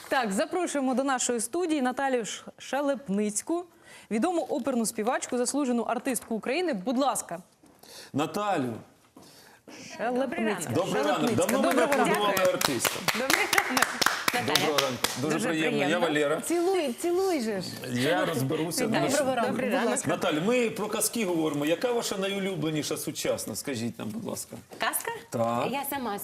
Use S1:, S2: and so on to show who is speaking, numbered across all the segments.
S1: Так, запрошуємо до нашої студії Наталію Шелепницьку, відому оперну співачку, заслужену артистку України. Будь ласка.
S2: Наталю,
S1: Шелепницька.
S2: добрий ранок. Давно ви не продавали артиста.
S3: Добрий ранок.
S2: Доброго ранку. Дуже приємно. Я Валера.
S1: Цілуй же ж.
S2: Я розберуся.
S1: Доброго ранку.
S3: Добрий
S1: Будь
S3: ранок.
S1: ласка.
S2: Наталю, ми про казки говоримо. Яка ваша найулюбленіша сучасна? Скажіть нам, будь ласка.
S3: Казка?
S2: Так.
S3: Я сама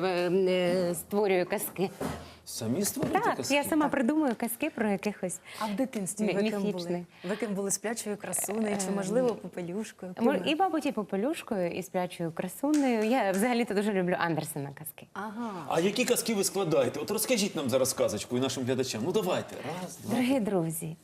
S3: створюю казки.
S2: Самі створюєте
S3: Так,
S2: казки?
S3: я сама придумую казки про якихось.
S1: А в дитинстві ви ким були?
S3: Міфічний.
S1: Ви ким були сплячою красунею чи, можливо, попелюшкою?
S3: І, мабуть, і попелюшкою, і сплячою красунею. Я взагалі-то дуже люблю Андерсена казки.
S1: Ага.
S2: А які казки ви складаєте? От розкажіть нам зараз казочку і нашим глядачам. Ну давайте. Раз, два.
S3: Дорогі друзі,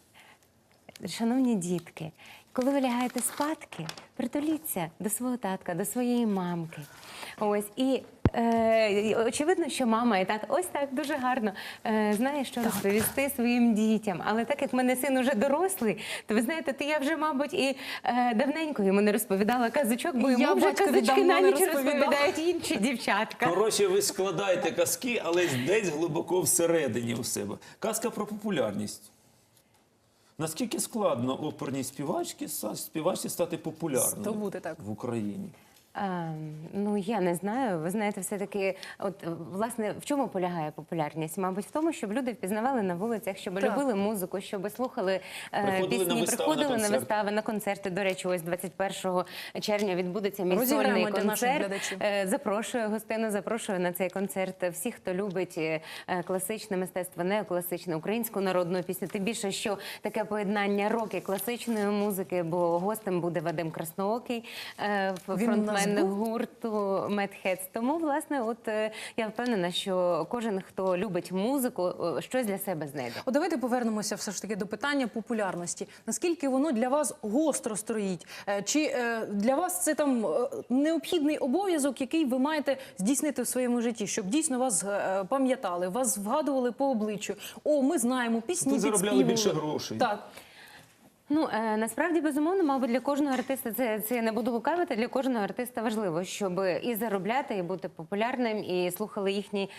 S3: шановні дітки, коли ви лягаєте спадки, притуліться до свого татка, до своєї мамки. Ось, і очевидно, що мама і тато ось так дуже гарно знає, що розповісти своїм дітям. Але так як в мене син уже дорослий, то ви знаєте, то я вже, мабуть, і давненько йому не розповідала казочок, бо йому вже казочки на ніч розповідають інші дівчатка.
S2: Коротше, ви складаєте казки, але десь глибоко всередині у себе. Казка про популярність. Наскільки складно оперній співачці стати популярною
S1: Здобути, так.
S2: в Україні?
S3: Ну, я не знаю. Ви знаєте, все-таки, от, власне, в чому полягає популярність? Мабуть, в тому, щоб люди впізнавали на вулицях, щоб любили музику, щоб слухали пісні, приходили на вистави, на концерти. До речі, ось 21 червня відбудеться мій сольний концерт. Запрошую гостину, запрошую на цей концерт всіх, хто любить класичне мистецтво, неокласичне, українську народну пісню. Тим більше, що таке поєднання рок і класичної музики, бо гостем буде Вадим Красноокий, фронтмен гурту Mad Heads. Тому, власне, от я впевнена, що кожен, хто любить музику, щось для себе знайде.
S1: От давайте повернемося все ж таки до питання популярності. Наскільки воно для вас гостро стоїть? Чи для вас це там необхідний обов'язок, який ви маєте здійснити в своєму житті, щоб дійсно вас пам'ятали, вас вгадували по обличчю? О, ми знаємо, пісні
S2: Ви заробляли
S1: підспівували.
S2: більше грошей.
S1: Так.
S3: Ну, насправді, безумовно, мабуть, для кожного артиста, це я не буду лукавити, для кожного артиста важливо, щоб і заробляти, і бути популярним, і слухали їхню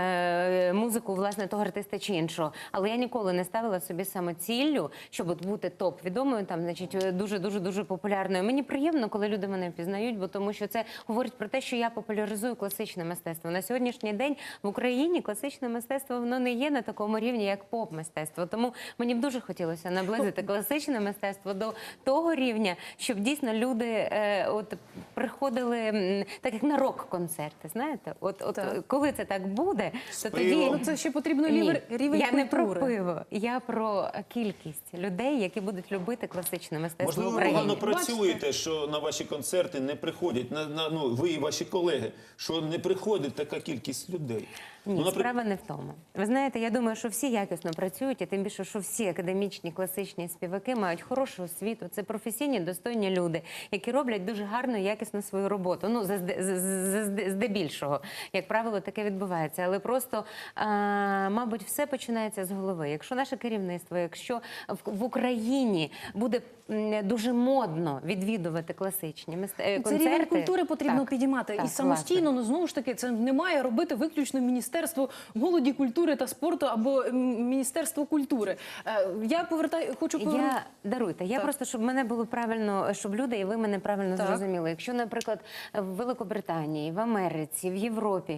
S3: музику, власне, того артиста чи іншого. Але я ніколи не ставила собі самоціллю, щоб от бути топ-відомою, там, значить, дуже популярною. Мені приємно, коли люди мене впізнають, бо тому що це говорить про те, що я популяризую класичне мистецтво. На сьогоднішній день в Україні класичне мистецтво, воно не є на такому рівні, як поп-мистецтво. Тому мені б дуже хотілося наблизити класичне мистецтво до того рівня, щоб дійсно люди от приходили так як на рок-концерти, знаєте? От коли це так буде, то тоді
S1: Ну, це ще потрібно рівень
S3: я не про
S1: культури.
S3: пиво, я про кількість людей, які будуть любити класичне мистецтво
S2: Можливо,
S3: в
S2: ви
S3: Україні.
S2: погано працюєте, що на ваші концерти не приходять, ну, ви і ваші колеги, що не приходить така кількість людей.
S3: Ні, справа не в тому. Ви знаєте, я думаю, що всі якісно працюють, і тим більше, що всі академічні, класичні співаки мають хорошу освіту. Це професійні, достойні люди, які роблять дуже гарно і якісно свою роботу. Ну, здебільшого, як правило, таке відбувається. Але просто, мабуть, все починається з голови. Якщо наше керівництво, якщо в Україні буде дуже модно відвідувати класичні концерти...
S1: Це рівень культури потрібно підіймати.
S3: Так,
S1: І самостійно, ну, знову ж таки, це не має робити виключно Міністерство молоді, культури та спорту або Міністерство культури. Я хочу повернути...
S3: Даруйте, я просто, щоб мене було правильно, щоб люди і ви мене правильно зрозуміли. Якщо, наприклад, в Великобританії, в Америці, в Європі,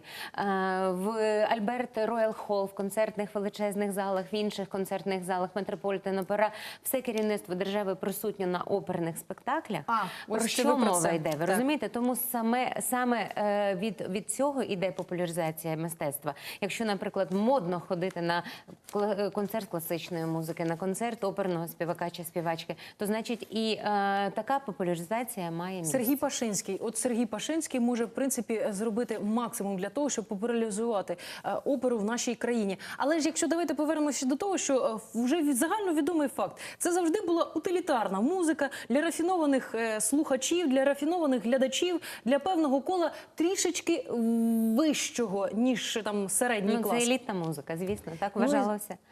S3: в Альберт Роял Холл, в концертних величезних залах, в інших концертних залах, Метрополітен Опера, все керівництво держави присутньо на оперних спектаклях, про що мова йде, ви розумієте? Тому саме від цього йде популяризація мистецтва. Якщо, наприклад, модно ходити на концерт класичної музики, на концерт оперного співака чи співачки, то, значить, і така популяризація має місце.
S1: Сергій Пашинський. От Сергій Пашинський може, в принципі, зробити максимум для того, щоб популяризувати оперу в нашій країні. Але ж якщо давайте повернемося до того, що вже загальновідомий факт, це завжди була утилітарна музика для рафінованих слухачів, для рафінованих глядачів, для певного кола трішечки вищого, ніж там середній клас.
S3: Це елітна музика, звісно, так вважалося.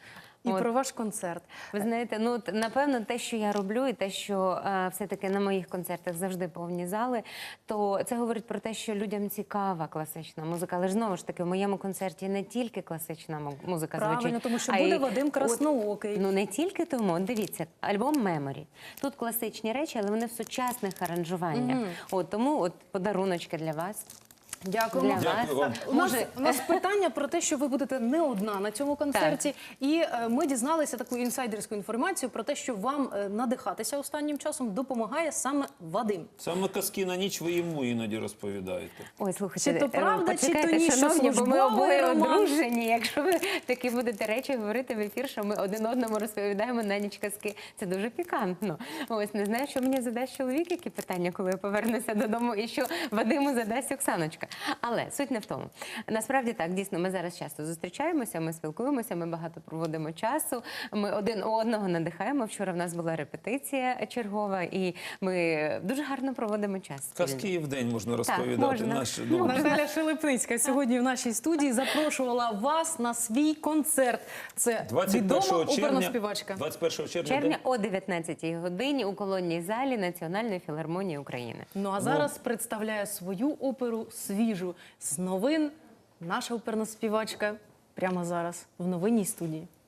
S1: І
S3: От.
S1: про ваш концерт.
S3: Ви знаєте, ну от, напевно, те, що я роблю, і те, що все-таки на моїх концертах завжди повні зали, то це говорить про те, що людям цікава класична музика. Але ж знову ж таки, в моєму концерті не тільки класична музика
S1: Правильно,
S3: звучить.
S1: тому що
S3: а
S1: буде
S3: й
S1: Вадим Красноокий.
S3: Ну не тільки тому. От дивіться, альбом Меморі. Тут класичні речі, але вони в сучасних аранжуваннях. От тому от подаруночки для вас.
S1: Дякуємо.
S3: Для
S2: Дякую
S3: вас.
S2: вам.
S1: У нас питання про те, що ви будете не одна на цьому концерті. І ми дізналися таку інсайдерську інформацію про те, що вам надихатися останнім часом допомагає саме Вадим.
S2: Саме казки на ніч ви йому іноді розповідаєте.
S3: Ой, слухайте,
S1: Чи то правда, чи то
S3: почекайте,
S1: ні, що
S3: шановні, бо ми
S1: службовий
S3: обоє
S1: роман?
S3: одружені. Якщо ви такі будете речі говорити в ефір, що ми один одному розповідаємо на ніч казки, це дуже пікантно. Ось, не знаю, що мені задасть чоловік, які питання, коли я повернуся додому, і що Вадиму задасть Оксаночка. Але суть не в тому. Насправді так, дійсно, ми зараз часто зустрічаємося, ми спілкуємося, ми багато проводимо часу, ми один одного надихаємо. Вчора в нас була репетиція чергова, і ми дуже гарно проводимо час.
S2: Казки і вдень можна розповідати.
S3: можна.
S1: Наталя Шелепницька сьогодні в нашій студії запрошувала вас на свій концерт. Це відома
S2: 21
S1: оперна
S2: червня,
S1: співачка.
S2: 21 червня,
S3: Червня о 19-й годині у колонній залі Національної філармонії України.
S1: Ну а зараз представляє свою оперу свіжу з новин. Наша оперна співачка прямо зараз в новинній студії.